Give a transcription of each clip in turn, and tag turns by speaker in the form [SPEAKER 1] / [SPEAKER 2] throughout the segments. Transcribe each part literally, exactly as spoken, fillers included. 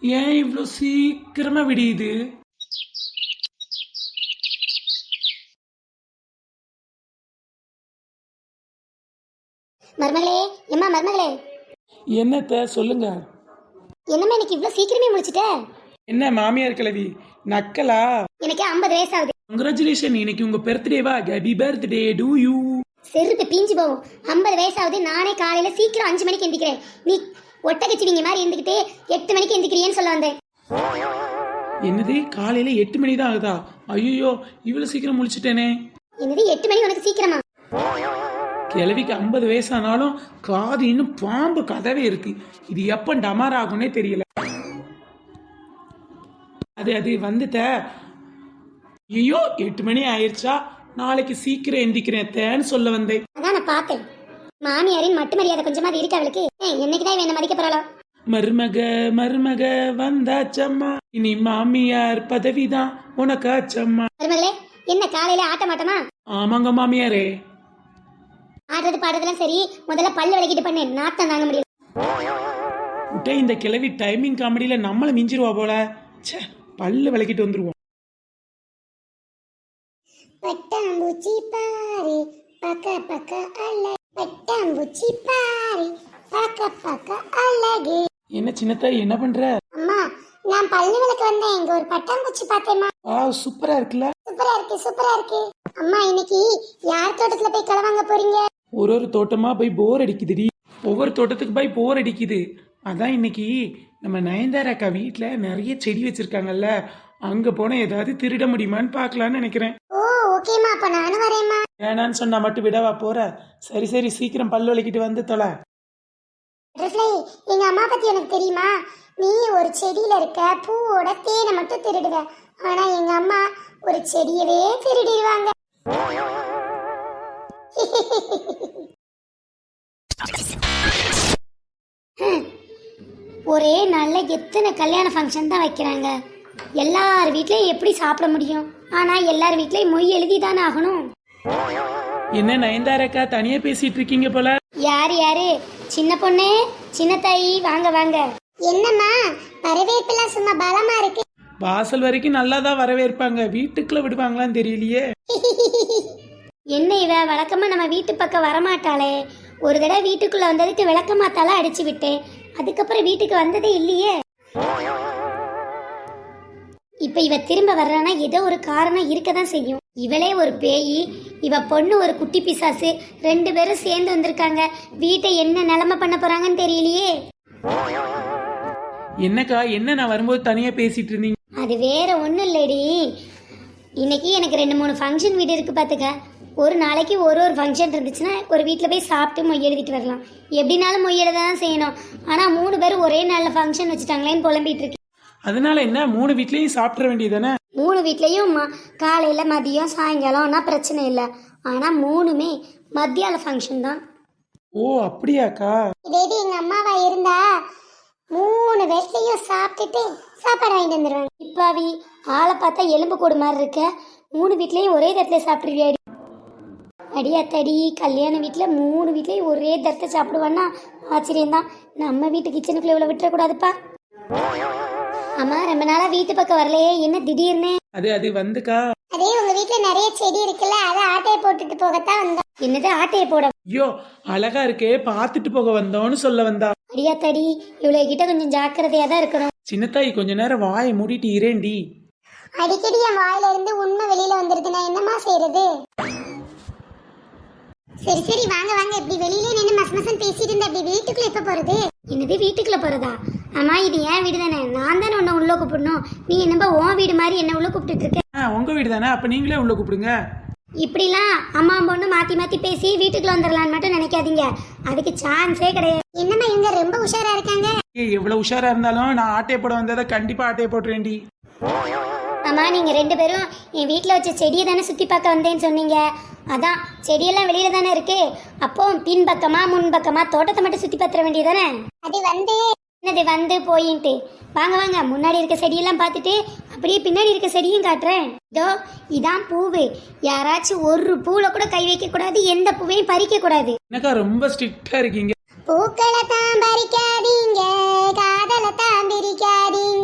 [SPEAKER 1] ஏன் இவ்வளோ சீக்கிரமா விடியுது?
[SPEAKER 2] மருமகளே, எம்மா மருமகளே,
[SPEAKER 1] என்னத்த சொல்லுங்க.
[SPEAKER 2] என்னம்மா இன்னைக்கு இவ்வளவு சீக்கிரமே முடிச்சிட்ட?
[SPEAKER 1] என்ன மாமியார் கிழவி நக்கலா?
[SPEAKER 2] எனக்கு ஐம்பது வயசு ஆகுது.
[SPEAKER 1] கங்க்ராச்சுலேஷன், இன்னைக்கு உங்க பர்த்டேவா? Happy birthday to you.
[SPEAKER 2] செருப்பு பீஞ்சு போகும். ஐம்பது வயசு ஆகுது. நானே காலையில சீக்கிரம் அஞ்சு மணிக்கு எந்திக்கிறேன். நீ ஒட்டகச்சிவிங்க மாதிரி எந்திக்கிட்டு எட்டு மணிக்கு எந்திக்கிறியேன்னு சொல்ல வந்தேன்.
[SPEAKER 1] என்னது காலையில எட்டு மணி தான் ஆகுதா? ஐயோ இவ்வளவு சீக்கிரம் முடிச்சிட்டேனே.
[SPEAKER 2] என்னது எட்டு மணி உனக்கு சீக்கிரமா?
[SPEAKER 1] கிழவிக்கு ஐம்பது வயசானாலும் காது இன்னும் பாம்பு கதவே இருக்கு. இது எப்ப டமார் ஆகும்னே தெரியல. அது அது வந்துட்ட. ஐயோ எட்டு மணி ஆயிடுச்சா? நாளைக்கு சீக்கிரம் எந்திக்கிறேன் தேன்னு சொல்ல வந்தேன்.
[SPEAKER 2] அதான் நான் பார்த்தேன். மாமியாரின் மட்டு மரியாதை கொஞ்சமா இருக்கு அவளுக்கு. என்னைக்குதான் என்ன மதிக்க போறாளோ?
[SPEAKER 1] மருமக மருமக வந்தாச்சம்மா, இனி மாமியார் பதவிதான் உனக்காச்சம்மா.
[SPEAKER 2] மருமகளே, என்ன காலையில ஆட்ட மாட்டமா?
[SPEAKER 1] ஆமாங்க மாமியாரே.
[SPEAKER 2] ஆடுறது பாடுறதுலாம் சரி, முதல்ல பல்லு விளக்கிட்டு பண்ணு. நாத்தம் தாங்க முடியல.
[SPEAKER 1] விட்டே இந்த கிழவி டைமிங் காமெடியில நம்மள மிஞ்சிருவா போல. ச்சே, பல்லு விளக்கிட்டு வந்துருவோம்.
[SPEAKER 2] பட்டாம்பூச்சி பாரு பக்க பக்க அழகு, பட்டாம்பூச்சி பாரு பக்க பக்க அழகு.
[SPEAKER 1] என்ன சின்னத்த என்ன பண்ற?
[SPEAKER 2] அம்மா, நான் பல்லு விளக்க வந்தேன். இங்க ஒரு பட்டாம்பூச்சி பார்த்தேம்மா.
[SPEAKER 1] ஆ சூப்பரா இருக்குல்ல?
[SPEAKER 2] சூப்பரா இருக்கு, சூப்பரா இருக்கு. அம்மா, இன்னைக்கு யார் தோட்டத்துல போய் களை வாங்க போறீங்க?
[SPEAKER 1] ஒரு ஒரு தோட்டமா போய் போர் அடிக்குதுடி. ஒவ்வொரு தோட்டத்துக்கு போய் போர் அடிக்குது. அதான் இன்னைக்கு நம்ம நயன்தாரா அக்கா வீட்டுல நிறைய செடி வச்சிருக்காங்கல்ல, அங்க போன ஏதாவது திருட முடியுமான்னு பாக்கலான்னு நினைக்கிறேன்.
[SPEAKER 2] ஓ ஓகேமா, அப்ப நானும் வரேம்மா.
[SPEAKER 1] வேணான்னு சொன்னா மட்டும் விடவா போற? சரி சரி சீக்கிரம் பல்லு விளக்கிட்டு வந்து தொலை.
[SPEAKER 2] எங்க அம்மா பத்தி எனக்கு தெரியுமா? நீ ஒரு செடியில இருக்க பூவோட தேனை மட்டும் திருடுவ. ஆனா எங்க அம்மா ஒரு செடியவே திருடிடுவாங்க. ஒரே நாள்ல எத்தனை கல்யாண ஃபங்க்ஷன் தான் வைக்கிறாங்க. எல்லார் வீட்லயும் எப்படி சாப்பிட முடியும்? ஆனா எல்லார் வீட்லயும் மொய் எழுதி தானே ஆகணும்.
[SPEAKER 1] என்ன நயன்தாரக்கா தனியா பேசிட்டு இருக்கீங்க போல?
[SPEAKER 2] யாரு யாரு? சின்ன பொண்ணு, சின்ன தாயி, வாங்க வாங்க. என்னம்மா வரவேற்பெல்லாம் சும்மா பலமா இருக்கு.
[SPEAKER 1] வாசல் வரைக்கும் நல்லாதான் வரவேற்பாங்க, வீட்டுக்குள்ள விடுவாங்களான்னு தெரியலையே.
[SPEAKER 2] என்ன இவ வழக்கமா நம்ம வீட்டு பக்கம் வரமாட்டாளே. ஒரு தடவை வீட்டுக்குள்ள வந்ததுக்கு விளக்கமாத்தால அடிச்சு விட்டேன். அதுக்கப்புறம் வீட்டுக்கு வந்ததே இல்லையே. இப்ப இவ திரும்ப வர்றானா ஏதோ ஒரு காரணம் இருக்கதான் செய்யும். இவளே ஒரு பேயி, இவ பொண்ணு ஒரு குட்டி பிசாசு, ரெண்டு பேரும் சேர்ந்து வந்திருக்காங்க. வீட்டை என்ன நிலைமை பண்ண போறாங்கன்னு தெரியலையே.
[SPEAKER 1] என்னக்கா என்ன நான் வரும்போது தனியா பேசிட்டு இருந்தீங்க?
[SPEAKER 2] அது வேற ஒண்ணும் இல்லடி. இன்னைக்கு எனக்கு ரெண்டு மூணு ஃபங்க்ஷன் வீடு இருக்கு பாத்துக்க. ஒரு நாளைக்கு ஒரு ஒரு ஃபங்க்ஷன் இருந்துச்சுன்னா ஒரு வீட்டில் போய் சாப்பிட்டு மொய் எழுதிட்டு வரலாம். எப்படினாலும் மொய் எழுத தான் செய்யணும். ஆனால் மூணு பேரும் ஒரே நாளில் ஃபங்க்ஷன் வச்சுட்டாங்களேன்னு புலம்பிட்டு இருக்கு.
[SPEAKER 1] அதனால என்ன, மூணு வீட்லயும் சாப்பிட வேண்டியதானே?
[SPEAKER 2] மூணு வீட்லயும் காலையில் மதியம் சாயங்காலம்னா பிரச்சனை இல்லை. ஆனால் மூணுமே மத்தியால ஃபங்க்ஷன் தான்.
[SPEAKER 1] ஓ அப்படியாக்கா?
[SPEAKER 2] இதே எங்க அம்மாவா இருந்தா மூணு வீட்லயும் சாப்பிட்டுட்டு சாப்பாடு வாங்கிட்டு வந்துடுவாங்க. இப்பாவி ஆளை பார்த்தா எலும்பு கூடு மாதிரி இருக்க. மூணு வீட்லயும் ஒரே தட்டில் சாப்பிடுவியாடி? அடியாத்தடி, கல்யாண வீட்டில் மூணு வீட்லேயும் ஒரே தரத்தை சாப்பிடுவான்னா ஆச்சரியம்தான். நம்ம வீட்டு கிச்சனுக்குள்ள இவ்வளோ விட்டுறக்கூடாதுப்பா. அம்மா, ரொம்ப நாளா வீட்டு பக்கம் வரலையே, என்ன திடீர்னு?
[SPEAKER 1] அது அது வந்துக்கா,
[SPEAKER 2] அதே உங்க வீட்டுல நிறைய செடி இருக்குல்ல, அதை ஆட்டையை போட்டுட்டு போகத்தான் வந்தோம். என்னது ஆட்டையை போட?
[SPEAKER 1] ஐயோ அழகா இருக்கே, பாத்துட்டு போக வந்தோன்னு சொல்ல வந்தா.
[SPEAKER 2] அடியாத்தடி, இவ்வளவு கிட்ட கொஞ்சம் ஜாக்கிரதையா தான் இருக்கணும்.
[SPEAKER 1] சின்னத்தாய் கொஞ்ச நேரம் வாயை மூடிட்டு இரேண்டி.
[SPEAKER 2] அடிக்கடி என் வாயில இருந்து உண்மை வெளியில வந்துருது, நான் என்னமா செய்யறது? சரி சரி வாங்க வாங்க. இப்படி வெளியிலே நின்று மச மசன் பேசிட்டு இருந்தா அப்படி வீட்டுக்குள்ள எப்ப போறது? என்னது வீட்டுக்குள்ள போறதா? அம்மா, இது ஏன் வீடு தானே, நான் தானே உன்னை உள்ள கூப்பிடணும். நீ என்னப்பா உன் வீடு மாதிரி என்ன உள்ள கூப்பிட்டு இருக்க?
[SPEAKER 1] உங்க வீடு தானே, அப்ப நீங்களே உள்ள கூப்பிடுங்க.
[SPEAKER 2] இப்படிலாம் அம்மா பொண்ணு மாத்தி மாத்தி பேசி வீட்டுக்குள்ள வந்துடலான்னு மட்டும் நினைக்காதீங்க. அதுக்கு சான்ஸே கிடையாது. என்னம்மா இவங்க ரொம்ப உஷாரா இருக்காங்க.
[SPEAKER 1] ஏய், எவ்வளவு உஷாரா இருந்தாலும் நான் ஆட்டையை போட வந்ததை கண்டிப்பா ஆட்டையை போட்டுறேன்டி.
[SPEAKER 2] அம்மா, நீங்க ரெண்டு பேரும் என் வீட்டுல வச்ச செடியை தானே சுத்தி பார்க்க வந்தேன்னு சொன்னீங்க. அதான் செடியெல்லாம் வெளியில தானே இருக்கு. அப்போ பின் பக்கமா முன் பக்கமா தோட்டத்தை மட்டும் சுத்தி பார்த்துட வேண்டியதானே? அது வந்து என்னது வந்து போயின்ட்டு வாங்க வாங்க. முன்னாடி இருக்க செடியெல்லாம் பார்த்துட்டு அப்படியே பின்னாடி இருக்க செடியும் காட்டுறேன். இதோ இதான் பூவு. யாராச்சும் ஒரு பூல கூட கை வைக்க கூடாது, எந்த பூவையும் பறிக்க கூடாது.
[SPEAKER 1] எனக்கா ரொம்ப ஸ்ட்ரிக்டா இருக்கீங்க.
[SPEAKER 2] பூக்களை தான் பறிக்காதீங்க, காதலை தான் பிரிக்காதீங்க.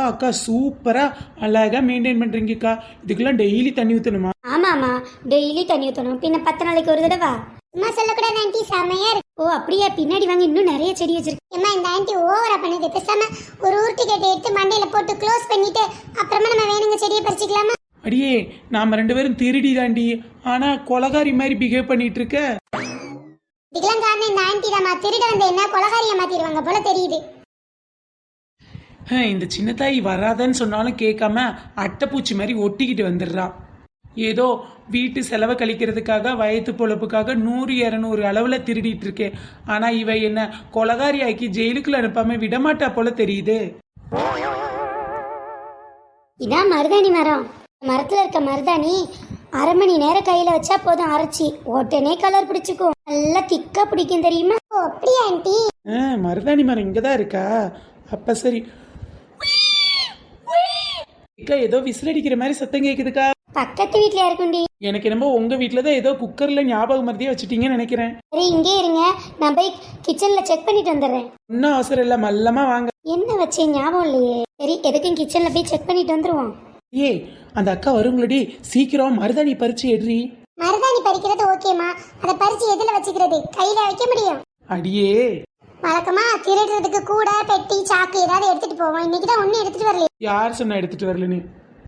[SPEAKER 1] அக்கா சூப்பரா அழகா மெயின்டைன் பண்றீங்கக்கா. இதுக்கெல்லாம் டெய்லி தண்ணி ஊத்தணுமா?
[SPEAKER 2] ஆமாமா, டெய்லி தண்ணி ஊற்றணும். பின்ன பத்து நாளைக்கு ஒரு தடவை. அம்மா சொல்லக்கூடாது ஆண்டி, செமையா இருக்கு. ஓ அப்படியா? பின்னாடி வாங்க, இன்னும் நிறைய செடி வச்சிருக்கு. அம்மா இந்த ஆண்டி ஓவரா பண்ணுது. பேசாம ஒரு ஊர்த்தி கட்டை எடுத்து மண்டையில போட்டு க்ளோஸ் பண்ணிட்டு அப்புறமா நம்ம வேணுங்க செடியை பறிச்சுக்கலாமா?
[SPEAKER 1] அடியே, நாம ரெண்டு பேரும் திருடி தாண்டி, ஆனா கொலகாரி மாதிரி பிஹேவ் பண்ணிட்டு இருக்க.
[SPEAKER 2] இதுக்கெல்லாம் காரணம் இந்த ஆண்டி தான். திருட வந்து என்ன கொலகாரியை மாத்திடுவாங்க போல தெரியுது.
[SPEAKER 1] ஹம், இந்த சின்ன தாய் வராதன்னு சொன்னாலும் கேட்காம அட்டைப்பூச்சி மாதிரி ஒட்டிக்கிட்டு வந்துடுறா. ஏதோ வீட்டு செலவை கழிக்கிறதுக்காக வயத்து பொழப்புக்காக நூறு இரநூறு அளவுல திருடிட்டு இருக்கேன். ஆனா இவ என்ன கொலகாரி ஆக்கி ஜெயிலுக்குள்ள அனுப்பாம விடமாட்டா போல தெரியுது.
[SPEAKER 2] இதான் மருதாணி மரம். மரத்துல இருக்க மருதாணி அரை மணி நேரம் கையில வச்சா போதும், அரைச்சி உடனே கலர் பிடிச்சிக்கும். நல்லா திக்கா பிடிக்கும் தெரியுமா? ஓ அப்படியா ஆண்டி?
[SPEAKER 1] ஆ, மருதாணி மரம் இங்கதான் இருக்கா? அப்ப சரி. அக்கா, ஏதோ விசில் அடிக்கிற மாதிரி சத்தம் கேக்குதுக்கா.
[SPEAKER 2] பக்கத்து வீட்ல இருக்குண்டி.
[SPEAKER 1] எனக்கு என்னமோ உங்க வீட்டுலதான் ஏதோ குக்கர்ல ஞாபகம் மருதியே வச்சுட்டீங்கன்னு நினைக்கிறேன்.
[SPEAKER 2] சரி இங்கே இருங்க, நான் போய் கிச்சன்ல செக் பண்ணிட்டு வந்துடுறேன்.
[SPEAKER 1] ஒன்னும் அவசரம் இல்ல, மல்லமா வாங்க.
[SPEAKER 2] என்ன வச்சேன் ஞாபகம் இல்லையே. சரி எதுக்கும் கிச்சன்ல போய் செக் பண்ணிட்டு வந்துருவோம்.
[SPEAKER 1] ஏய், அந்த அக்கா வருங்களடி, சீக்கிரம் மருதாணி பறிச்சு எடுறி.
[SPEAKER 2] மருதாணி பறிக்கிறது ஓகேமா, அதை பறிச்சு எதுல வச்சுக்கிறது? கையில வைக்க முடியும்?
[SPEAKER 1] அடியே,
[SPEAKER 2] வழக்கமா திருடுறதுக்கு கூட பெட்டி சாக்கு ஏதாவது எடுத்துட்டு போவோம். இன்னைக்கு தான் ஒன்னும் எடுத்துட்டு வரல.
[SPEAKER 1] யார் சொன்னா எடுத்துட்டு வரல? நீ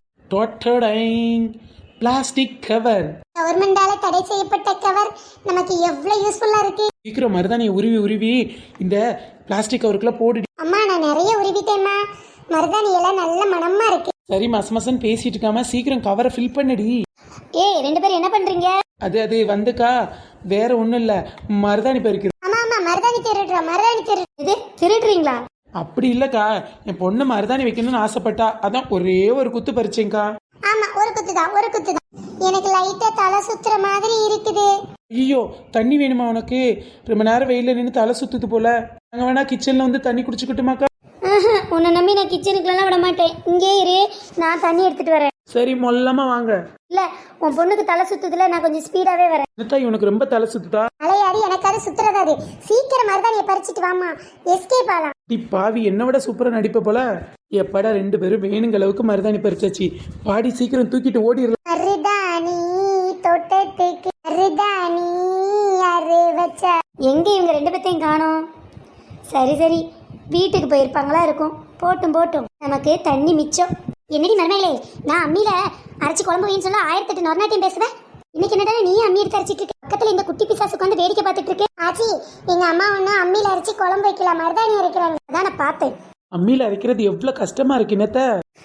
[SPEAKER 1] பிளாஸ்டிக் கவர்,
[SPEAKER 2] கவர்மெண்டால தடை செய்யப்பட்ட கவர் நமக்கு எவ்வளவு யூஸ்ஃபுல்லா இருக்கு.
[SPEAKER 1] சீக்கிரம் மருதாணி உருவி உருவி இந்த பிளாஸ்டிக் கவருக்குள்ள போடு.
[SPEAKER 2] அம்மா நான் நிறைய உருவிட்டேம்மா. மருதாணி எல்லாம் நல்ல மணமா இருக்கு.
[SPEAKER 1] சரி, மச மசன் பேசிட்டு இருக்காம சீக்கிரம் கவரை ஃபில் பண்ணடி.
[SPEAKER 2] ஏய் ரெண்டு பேரும் என்ன பண்றீங்க?
[SPEAKER 1] அது அது வந்துக்கா, வேற ஒண்ணும் இல்ல, மருதாணி பறிக்குது.
[SPEAKER 2] ஆமா ஆமா, மருதாணி திருடுறா. மருதாணி திருடு. இது திருடுறீங்களா?
[SPEAKER 1] அப்படி இல்லக்கா, என் பொண்ணு மருதாணி வைக்கணும்னு ஆசைப்பட்டா, அதான் ஒரே ஒரு குத்து பறிச்சேங்க்கா.
[SPEAKER 2] ஆமா ஒரு குத்து தான், ஒரு குத்து தான். எனக்கு லைட்டா தலை சுத்துற மாதிரி இருக்குது.
[SPEAKER 1] ஐயோ, தண்ணி வேணுமா உனக்கு? ரொம்ப நேரம் வெயில நின்று தலை சுத்துது போல. நாங்க வேணா கிச்சன்ல வந்து தண்ணி குடிச்சுக்கிட்டுமாக்கா?
[SPEAKER 2] உன்னை நம்பி நான் கிச்சனுக்குலாம் விட மாட்டேன். இங்கே இரு, நான் தண்ணி எடுத்துட்டு வரேன்.
[SPEAKER 1] சரி, மொல்லமா வாங்க.
[SPEAKER 2] இல்ல உன் பொண்ணுக்கு தலை சுத்துதுல, நான் கொஞ்சம் ஸ்பீடாவே வரேன்.
[SPEAKER 1] என்னத்தாய் உனக்கு ரொம்ப தலை சுத்துதா?
[SPEAKER 2] அலையாடி எனக்கு அது சுத்துறதாது. சீக்கிரம் மருதாணியை பறிச்சிட்டு வாமா, எஸ்கேப் ஆகலாம்.
[SPEAKER 1] டி பாவி, என்ன விட சூப்பரா நடிப்ப போல. எப்படா ரெண்டு பேரும் வேணுங்க அளவுக்கு மருதாணி பறிச்சாச்சு. பாடி சீக்கிரம் தூக்கிட்டு ஓடிடலாம்.
[SPEAKER 2] மருதாணி தோட்டத்துக்கு மருதாணி யாரு வச்ச? எங்க இவங்க ரெண்டு பேத்தையும் காணோம். சரி சரி, வீட்டுக்கு போயிருப்பாங்களா இருக்கும். போட்டும் போட்டும், நமக்கு தண்ணி மிச்சம். என்னடி மருமகளே, நான் அம்மியில அரைச்சி குழம்பு வைன்னு சொல்ல ஆயிரத்தி எட்டு நொறுநாட்டியம் பேசுவேன். இன்னைக்கு என்னடா நீ அம்மி எடுத்து அரைச்சிட்டு இருக்க? பக்கத்துல இந்த குட்டி பிசாசு உட்காந்து வேடிக்கை பார்த்துட்டு இருக்கு. ஆச்சி, எங்க அம்மா ஒண்ணு அம்மியில அரைச்சி குழம்பு வைக்கலாம், மருதாணி அரைக்கிறாங்க. அதான் நான் பார்த்தேன்.
[SPEAKER 1] அம்மியில அரைக்கிறது எவ்வளவு கஷ்டமா இருக்கு என்னத்த?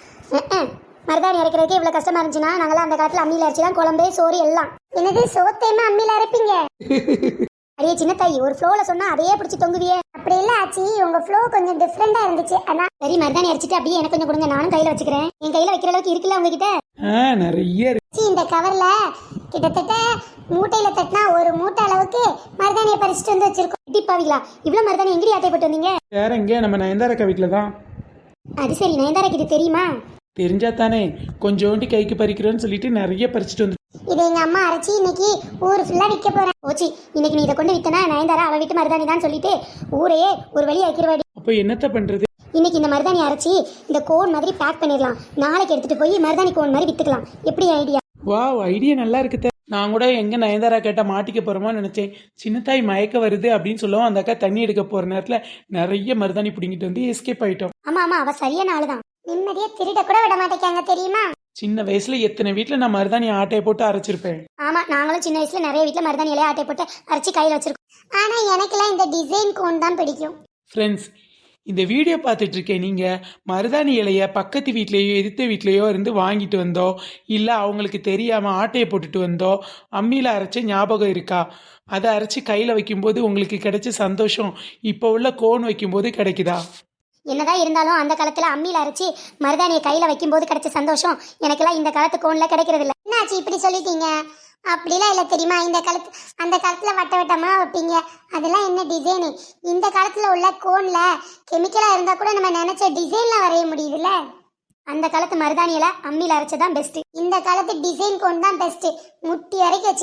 [SPEAKER 2] மருதாணி அரைக்கிறதுக்கு இவ்வளவு கஷ்டமா இருந்துச்சுன்னா நாங்களாம் அந்த காலத்துல அம்மியில அரைச்சி தான் குழம்பு சோறு எல்லாம். என்னது சோத்தையுமே அம்மியில அரைப்பீங்க? அடியே சின்ன தாய், ஒரு ஃப்ளோல சொன்னா அதையே பிடிச்சி தொங்குவியே. அப்படி இல்ல ஆச்சி, உங்க ஃப்ளோ கொஞ்சம் டிஃப்ரெண்டா இருந்துச்சு. ஆனா சரி, மருதாணி அரைச்சிட்டு அப்படியே எனக்கு கொஞ்சம் கொடுங்க, நானும் கையில வச்சுக்கிறேன். என் கையில வைக்கிற அளவுக்கு இருக்குல்ல உங்ககிட்ட?
[SPEAKER 1] நிறைய இருக்கு.
[SPEAKER 2] இந்த கவர்ல கிட்டத்தட்ட மூட்டையில தட்டினா ஒரு மூட்டை அளவுக்கு மருதாணியை பறிச்சுட்டு வந்து வச்சிருக்கோம். டிப்பாவிங்களா, இவ்வளவு மருதாணி எங்கடி ஆட்டை போட்டு வந்தீங்க?
[SPEAKER 1] வேற எங்க, நம்ம நயன்தாரக்கா வீட்டுல தான்.
[SPEAKER 2] அது சரி, நயன்தாராக்கு இது தெரியுமா?
[SPEAKER 1] தெரிஞ்சா தானே, கொஞ்சோண்டி கைக்கு பறிக்கிறோன்னு சொல்லிட்டு நிறைய பறிச்சுட்டு வந்து.
[SPEAKER 2] இதை எங்க அம்மா அரைச்சி இன்னைக்கு ஊர் ஃபுல்லா விற்க போறேன். ஓச்சி, இன்னைக்கு நீ இதை கொண்டு வித்தனா நயன்தாரா அவ வீட்டு மருதாணி தான் சொல்லிட்டு ஊரையே ஒரு வழி ஆக்கிடுவாடி.
[SPEAKER 1] அப்ப என்னத்த பண்றது?
[SPEAKER 2] இன்னைக்கு இந்த மருதாணி அரைச்சி இந்த கோன் மாதிரி பேக் பண்ணிடலாம். நாளைக்கு எடுத்துட்டு போய் மருதாணி கோன் மாதிரி வித்துக்கலாம். எப்படி ஐடியா?
[SPEAKER 1] வாவ், ஐடியா நல்லா இருக்குது. நான் கூட எங்க நயன்தாரா கேட்டா மாட்டிக்க போறோமா நினைச்சேன். சின்னத்தாய் மயக்க வருது அப்படின்னு சொல்லவும் அந்த அக்கா தண்ணி எடுக்க போற நேரத்துல நிறைய மருதாணி பிடிங்கிட்டு வந்து எஸ்கேப் ஆயிட்டோம்.
[SPEAKER 2] ஆமா ஆமா, அவ சரியான ஆளுதான். நிம்மதியா திருட கூட விட மாட்டேங்க தெரியுமா?
[SPEAKER 1] சின்ன வயசுல எத்தனை வீட்டுல நான் மருதாணி ஆட்டையை போட்டு அரைச்சிருப்பேன்.
[SPEAKER 2] ஆமா, நாங்களும் சின்ன வயசுல நிறைய வீட்டுல மருதாணி இலைய ஆட்டை போட்டு அரைச்சி கையில வச்சிருக்கோம். ஆனா எனக்குலாம் இந்த டிசைன் கோன் தான் பிடிக்கும்.
[SPEAKER 1] ஃப்ரெண்ட்ஸ், இந்த வீடியோ பார்த்துட்டு இருக்கேன், நீங்க மருதாணி இலைய பக்கத்து வீட்லேயோ எதிர்த்த வீட்லேயோ இருந்து வாங்கிட்டு வந்தோ, இல்லை அவங்களுக்கு தெரியாம ஆட்டையை போட்டுட்டு வந்தோ, அம்மியில் அரைச்ச ஞாபகம் இருக்கா? அதை அரைச்சி கையில் வைக்கும்போது உங்களுக்கு கிடைச்ச சந்தோஷம் இப்போ உள்ள கோன் வைக்கும்போது கிடைக்குதா?
[SPEAKER 2] என்னதான் இருந்தாலும் அந்த காலத்துல அம்மியில அரைச்சி மருதாணியை கையில வைக்கும் போது கிடைச்ச சந்தோஷம் எனக்கெல்லாம் இந்த காலத்து கோன்ல கிடைக்கிறது இல்ல. என்னாச்சு இப்படி சொல்லிட்டீங்க? அப்படிலாம் இல்ல தெரியுமா? இந்த காலத்து அந்த காலத்துல வட்ட வட்டமா வைப்பீங்க, அதெல்லாம் என்ன டிசைனு? இந்த காலத்துல உள்ள கோன்ல கெமிக்கலா இருந்தா கூட நம்ம நினைச்ச டிசைன்ல வரைய முடியுதுல்ல. அந்த காலத்து மருதாணியில அம்மியில அரைச்சதான் பெஸ்ட். இந்த காலத்து டிசைன் கோன் தான் பெஸ்ட். முட்டி வரைக்கும் வச்சுக்கலாம்.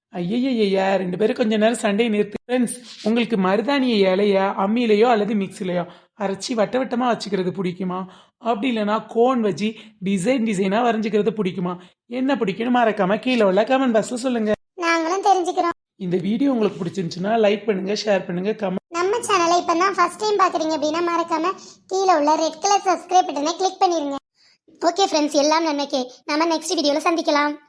[SPEAKER 1] ஐயய்யா ரெண்டு பேரும் கொஞ்ச நேரம் சண்டையை நிறுத்து ஃப்ரெண்ட்ஸ். உங்களுக்கு மருதாணியை இலையா அம்மியிலையோ அல்லது மிக்சிலையோ அரைச்சி வட்ட வட்டமாக வச்சுக்கிறது பிடிக்குமா? அப்படி இல்லைனா கோன் வச்சு டிசைன் டிசைனாக வரைஞ்சிக்கிறது பிடிக்குமா? என்ன பிடிக்கும்னு மறக்காம கீழே உள்ள கமெண்ட் பாக்ஸில் சொல்லுங்க.
[SPEAKER 2] நாங்களும் தெரிஞ்சுக்கிறோம்.
[SPEAKER 1] இந்த வீடியோ உங்களுக்கு பிடிச்சிருந்துச்சுன்னா லைக் பண்ணுங்க, ஷேர் பண்ணுங்க, கமெண்ட்.
[SPEAKER 2] நம்ம சேனலை இப்போ தான் ஃபர்ஸ்ட் டைம் பார்க்குறீங்க அப்படின்னா மறக்காம கீழே உள்ள ரெட் கலர் சப்ஸ்கிரைப் பட்டனை கிளிக் பண்ணிருங்க. ஓகே ஃப்ரெண்ட்ஸ், எல்லாம் நன்மைக்கே. நம்ம நெக்ஸ்ட் வீடியோவில் சந்திக்கலாம்.